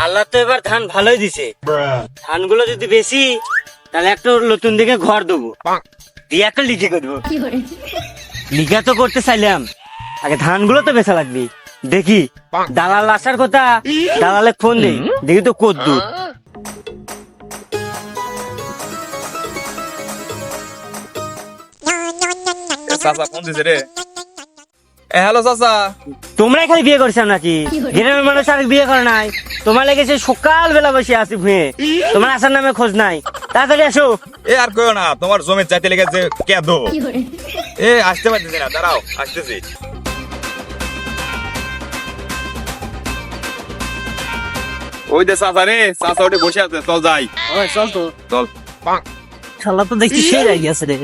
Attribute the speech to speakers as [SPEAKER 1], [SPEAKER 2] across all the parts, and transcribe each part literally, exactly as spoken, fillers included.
[SPEAKER 1] আল্লাহ তো এবার ধান ভালোই দিছে, ধানগুলো যদি বেশি তাহলে একটা নতুন দিকে ঘর দেবো, দিয়ে একটা লিখে করবো। লিখা তো করতে চাইলাম, আগে ধানগুলো তো বেচা লাগবে। দেখি দালাল আসার কথা, দালালে ফোন দেই, দেখি তো কদ্দু।
[SPEAKER 2] হ্যালো চাচা,
[SPEAKER 1] তোমরা খালি বিয়ে করছো নাকি? গ্রামের মানুষ আর বিয়ে করে নাই? তোমার লেগেছে সকাল বেলা বসে আসি ভুঁয়ে, তোমার আসার নামে খোঁজ নাই। তাড়াতাড়ি আসো।
[SPEAKER 2] এ আর কইও না, তোমার জমি চাইতে লেগেছে কেদো। এ আসতে পারতেছি না, দাঁড়াও আসতেছি। ওই দে চাচা রে, চাচা ওটা বসে আছে, চল যাই।
[SPEAKER 1] চল তো,
[SPEAKER 2] চল।
[SPEAKER 1] শালা তো দেখছি সেই রাই গেছে রে।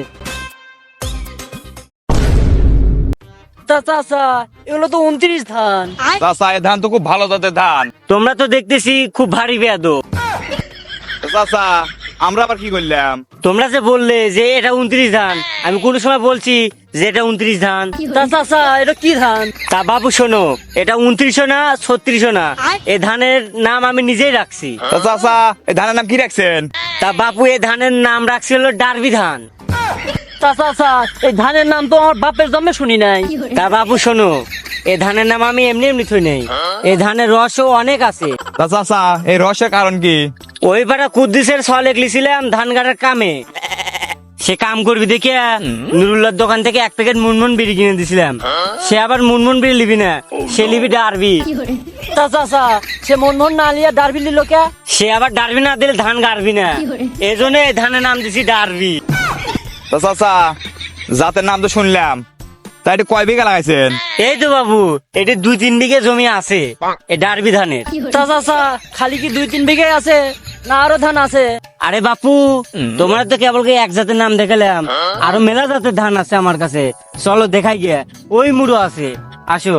[SPEAKER 1] চাচা এগুলো তো উনত্রিশ ধান।
[SPEAKER 2] চাচা এ ধান তো খুব ভালো জাতের ধান।
[SPEAKER 1] তোমরা তো দেখতেছি খুব ভারী বেয়াদব।
[SPEAKER 2] চাচা আমরা আবার কি করলাম?
[SPEAKER 1] তোমরা যে বললে যে এটা উনত্রিশ ধান, আমি কোন সময় বলছি যে এটা উনত্রিশ ধান? চাচা এটা কি ধান? তা বাবু শোনো, এটা উনত্রিশও না ছত্রিশও না, এই ধানের নাম আমি নিজেই রাখছি।
[SPEAKER 2] তা চাচা এই ধানের নাম কি রাখছেন?
[SPEAKER 1] তা বাপু এই ধানের নাম রাখছি হলো ডারবি ধান।
[SPEAKER 3] চাচা এই ধানের নাম তো আমার বাপের জন্মে শুনি নাই।
[SPEAKER 1] তা বাবু শোনো, এই ধানের নাম আমি এমনি এমনি থই নাই, এই ধানের রসও অনেক আছে।
[SPEAKER 2] তা চাচা এই রহস্যের কারণ কি?
[SPEAKER 1] ওই পাড়া কুদ্দুসের ছলে লিখছিলাম ধান কাটার কামে, সে কাম করবি দেখে নুরুল্লাহর দোকান থেকে এক প্যাকেট মুনমুন বিড়ি কিনে দিছিলাম। সে আবার মুনমুন বিড়ি লিবি না, সে লিবি ডারবি।
[SPEAKER 3] চাচা সে মন মন না লিয়া ডারবি লিল কে?
[SPEAKER 1] সে আবার ডারবি না দিলে ধান গাড়বি না, এই জন্য এই ধানের নাম দিছি ডারবি।
[SPEAKER 2] তা চাচা জাতের নাম তো শুনলাম, তা এটা কয় বিঘা লাগাইছেন?
[SPEAKER 1] এই তো বাবু এটা দুই তিন বিঘে জমি আছে এই ডারবি ধানের।
[SPEAKER 3] চাচা খালি কি দুই তিন বিঘে আছে না আরো ধান আছে?
[SPEAKER 1] আরে বাপু তোমরা তো কেবল কি এক জাতের নাম দেখালাম, আরো মেলা জাতের ধান আছে আমার কাছে, চলো দেখাই গিয়ে। ওই মুড়ো আছে, আসো।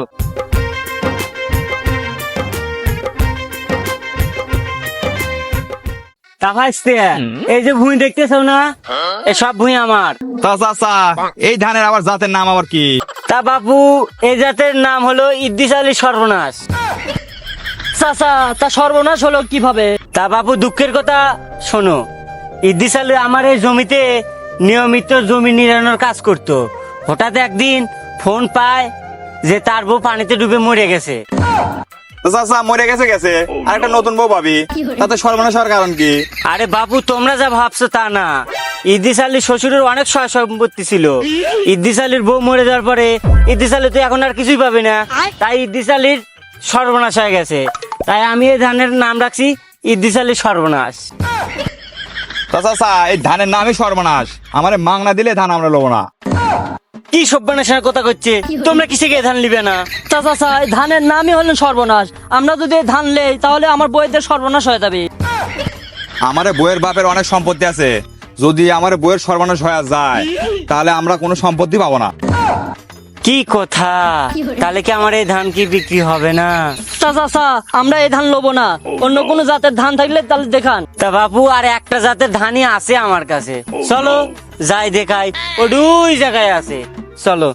[SPEAKER 1] তা ভাইস্তে এই যে ভুঁই দেখতেছো না, এই সব ভুঁই আমার।
[SPEAKER 2] তা চাচা এই ধানের আবার জাতের নাম আবার কি?
[SPEAKER 1] তা বাপু এই জাতের নাম হলো ইদ্দিস আলী সর্বনাশ।
[SPEAKER 3] চাচা তা সর্বনাশ হলো কিভাবে?
[SPEAKER 1] তা বাপু দুঃখের কথা শোনো, ইদ্দিস আলী আমার এই জমিতে নিয়মিত জমি নিড়ানোর কাজ করতো। হঠাৎ একদিন ফোন পায় যে তার বউ পানিতে ডুবে মরে গেছে।
[SPEAKER 2] তা চাচা মরে গেছে গেছে, আর একটা নতুন বউ পাবি, তাতে সর্বনাশ হওয়ার কারণ কি?
[SPEAKER 1] আরে বাপু তোমরা যা ভাবছো তা না, ইদ্দিস আলীর শ্বশুরের অনেক সয় সম্পত্তি ছিল। ইদ্দিস আলীর বউ মরে যাওয়ার পরে ইদ্দিস আলী তো এখন আর কিছুই পাবে না, তাই ইদ্দিস আলীর সর্বনাশ হয়ে গেছে। তাই আমি এই ধানের নাম রাখছি ইদ্দিস আলীর সর্বনাশ।
[SPEAKER 2] তা চাচা এই ধানের নামই সর্বনাশ, আমারে মাংনা দিলে ধান আমরা লব না।
[SPEAKER 1] কি সর্বনাশের কথা করছে? তোমরা কিসে গিয়ে ধান লিবে না?
[SPEAKER 3] চাচা এই ধানের নামই হলেন সর্বনাশ, আমরা যদি এই ধান লেই তাহলে আমার বইয়ের সর্বনাশ হয়ে যাবে।
[SPEAKER 2] আমারে বইয়ের বাপের অনেক সম্পত্তি আছে, যদি আমার বইয়ের সর্বনাশ হয়ে যায় তাহলে আমরা কোনো সম্পত্তি পাবো না।
[SPEAKER 1] কি কথা? তাহলে কি আমার এই ধান কি বিক্রি হবে না?
[SPEAKER 3] চাচা আমরা এই ধান লবো না, অন্য কোনো জাতের ধান থাকলে তাহলে দেখান।
[SPEAKER 1] তা বাপু আর একটা জাতের ধানই আছে আমার কাছে, চলো যাই দেখাই। ও দুই জায়গায় আছে, চলো।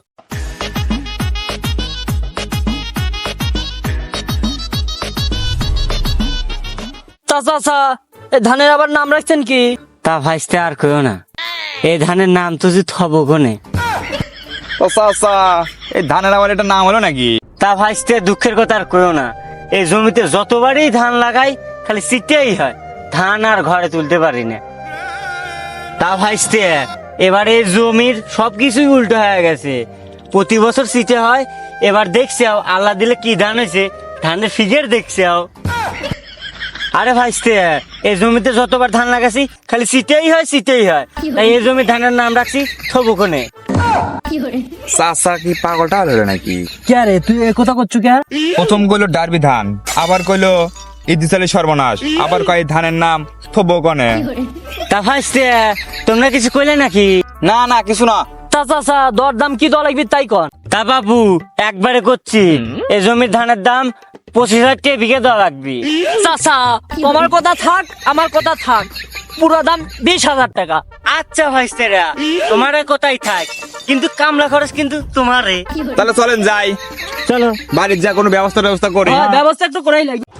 [SPEAKER 3] চাচা এই ধানের আবার নাম রাখছেন কি?
[SPEAKER 1] তা ভাইস্তে আর কইও না, এই ধানের নাম তো যে থব কোনে।
[SPEAKER 2] ও চাচা এই ধানের আবার এটা নাম হলো নাকি?
[SPEAKER 1] তা ভাইস্তে দুঃখের কথা আর কইও না, এই জমিতে যতবারই ধান লাগাই খালি সিটেই হয়, ধান আর ঘরে তুলতে পারি না। তা ভাইস্তে এবারে জমির সবকিছুই উল্টো হয়ে গেছে, প্রতি বছর সিটে হয়, এবার দেখছে আল্লাহ দিলে কি ধান হয়েছে, ধানের ফিগের দেখছে। আরে ভাইস্তে এই জমিতে যতবার ধান লাগাছি খালি সিটেই হয় সিটেই হয়, তাই এই জমির ধানের নাম রাখছি থবুকনে।
[SPEAKER 2] চাচা কি পাগলটা হলো নাকি?
[SPEAKER 3] কে রে তুই এ কথা করছো কে?
[SPEAKER 2] প্রথম কইলো ডারবি ধান, আবার কইলো ইদ্দিস আলী সর্বনাশ, আবার কয় ধানের নাম থবকনে।
[SPEAKER 1] তা ভাইস্তে তোমরা কিছু কইলে নাকি?
[SPEAKER 2] না না কিছু না।
[SPEAKER 3] চাচা দর দাম কি দর লাগবে তাই কন।
[SPEAKER 1] তা বাবু একবারে করছি, এই জমির ধানের দাম পঁচিশ হাজার টাকা বিঘে দেওয়া লাগবে।
[SPEAKER 3] চাচা তোমার কথা থাক আমার কথা থাক, পুরো দাম বিশ হাজার টাকা।
[SPEAKER 1] আচ্ছা ভাইস্তেরা তোমার কোথায় থাক, কিন্তু কামলা খরচ কিন্তু তোমারে।
[SPEAKER 2] তাহলে চলেন যাই,
[SPEAKER 1] চলো
[SPEAKER 2] বাড়ির যা কোনো ব্যবস্থা ব্যবস্থা করি।
[SPEAKER 3] ব্যবস্থা একটু করাই লাগে।